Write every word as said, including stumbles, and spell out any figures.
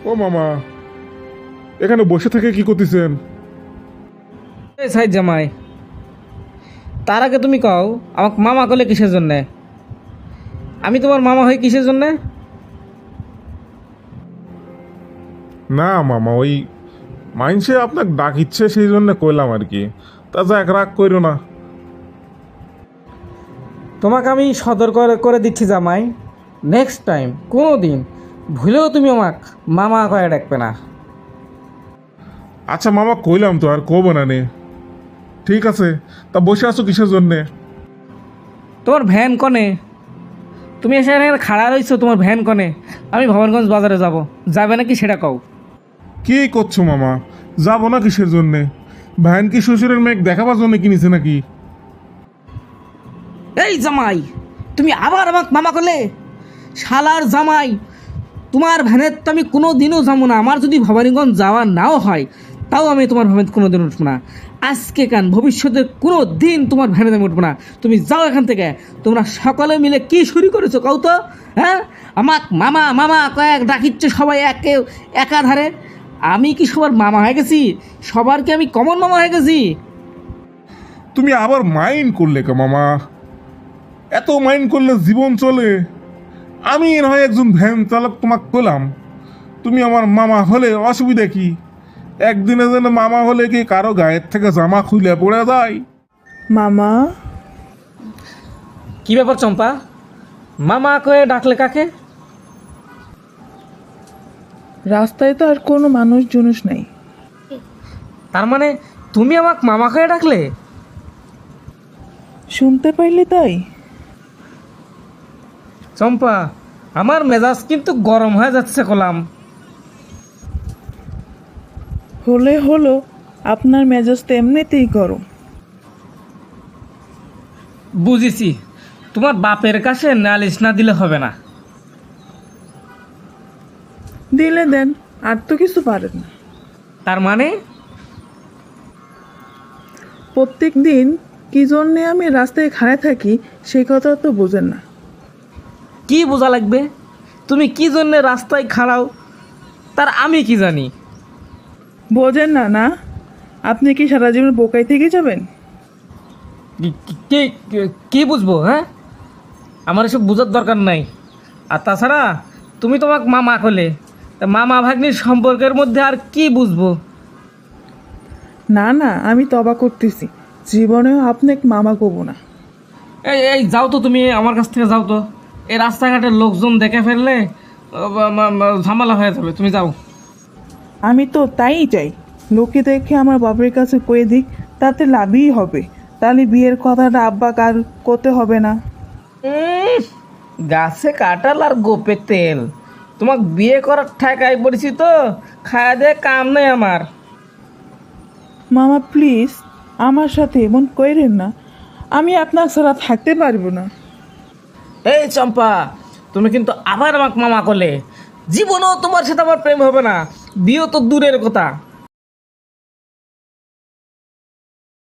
ও মামা, এখানে বসে থেকে কি করতেছেন? এই সাইদ জামাই, তার আগে তুমি কও আমাকে মামা করলে কিসের জন্যে? আমি তোমার মামা হই কিসের জন্যে? না মামা, ওই মাইনসে আপনাকে ডাক ইচ্ছে সেই জন্য কইলাম আর কি। তা যাক, রাগ কইরো না। তোমাকে আমি সদর করে করে দিচ্ছি জামাই, নেক্সট টাইম কোনো দিন ভুলেও তুমি আমাকে মামা করে ডাকবে না। আচ্ছা মামা, কইলাম তো আর কব না নে। ঠিক আছে, তা বসে আছো কিসের জন্যে? তোমার ভ্যান কনে? তুমি এসে এখানে খাড়া রইছো, তোমার ভ্যান কনে? আমি ভবানগঞ্জ বাজারে যাব, যাবে নাকি সেটা কও। কি করছো মামা? যাবো না কিসের জন্যে? ভ্যান কি শ্বশুরের মেঘ দেখাবার জন্য কিনেছে নাকি? এই জামাই, তুমি আবার আমাকে মামা করলে? শালার জামাই, তোমার ভ্যানের তো আমি কোনো দিনও যাবো না। আমার যদি ভবানীগঞ্জ যাওয়া নাও হয়, তাও আমি তোমার ভ্যানে কোনো দিন উঠবো না। আজকে কান ভবিষ্যতের কোনো দিন তোমার ভ্যানে আমি উঠবো না। তুমি যাও এখান থেকে। তোমরা সকলে মিলে কি শুরু করেছো কও তো? হ্যাঁ, আমাক মামা মামা কয়েক ডাকিচ্ছে সবাই একে একাধারে। আমি কি সবার মামা হয়ে গেছি? সবার কি আমি কমন মামা হয়ে গেছি? তুমি আবার মাইন্ড করলে কে মামা? এত মাইন্ড করলে জীবন চলে? আমি না হয় একজন ভ্যান চালক, তোমাকে কইলাম। তুমি আমার মামা হলে অসুবিধা কি? একদিনে যেন মামা হলে কি কারো গায়ের থেকে জামা খুলে পড়ে যায়? মামা, কি ব্যাপার চম্পা, মামা কয়ে ডাকলে কাকে? রাস্তায় তো আর কোনো মানুষ জুনুস নাই। তার মানে তুমি আমাকে মামা কয়ে ডাকলে? শুনতে পাইলে তাই? চম্পা, আমার মেজাজ কিন্তু গরম হয়ে যাচ্ছে কলাম। হলে হলো, আপনার মেজাজ তো এমনিতেই গরম। বুঝেছি, তোমার বাপের কাছে নালিশ না দিলে হবে না। দিলে দেন, আর তো কিছু পারেন না। তার মানে প্রত্যেক দিন কি জন্যে আমি রাস্তায় খাড়া থাকি সেই কথা তো বোঝেন না। কি বোঝা লাগবে? তুমি কি জন্য রাস্তায় খাড়াও তার আমি কি জানি? বোঝেন না না? আপনি কি সারা জীবন বোকাই থেকে যাবেন? কি- কি কি- কি বুঝবো? হ্যাঁ, আমার এসব বোঝার দরকার নাই। আর তাছাড়া তুমি তোমাকে মামা করলে, তা মামা ভাগ্নির সম্পর্কের মধ্যে আর কি বুঝবো? না না, আমি তবা করতেছি, জীবনেও আপনাকে মামা করবো না। এই এই যাও তো, তুমি আমার কাছ থেকে যাও তো। এই রাস্তাঘাটের লোকজন দেখে ফেললে আহ, বা- বা- বা ঝামেলা হয়ে যাবে, তুমি যাও। আমি তো তাই চাই, লোকে দেখে আমার বাবার কাছে কয়ে দিক, তাতে লাভই হবে। তাহলে বিয়ের কথাটা আব্বা কার করতে হবে না। উম, গাছে কাঁঠাল আর গোপে তেল। তোমাকে বিয়ে করার ঠেকাই পড়েছি তো, খাওয়া দিয়ে কাম নেই আমার। মামা প্লিজ, আমার সাথে এমন কইরেন না, আমি আপনার ছাড়া থাকতে পারবো না। এই চম্পা, তুমি কিন্তু আবার আমাকে মামা করলে। জীবনেও তোমার সাথে আমার প্রেম হবে না, বিয়ে তো দূরের কথা।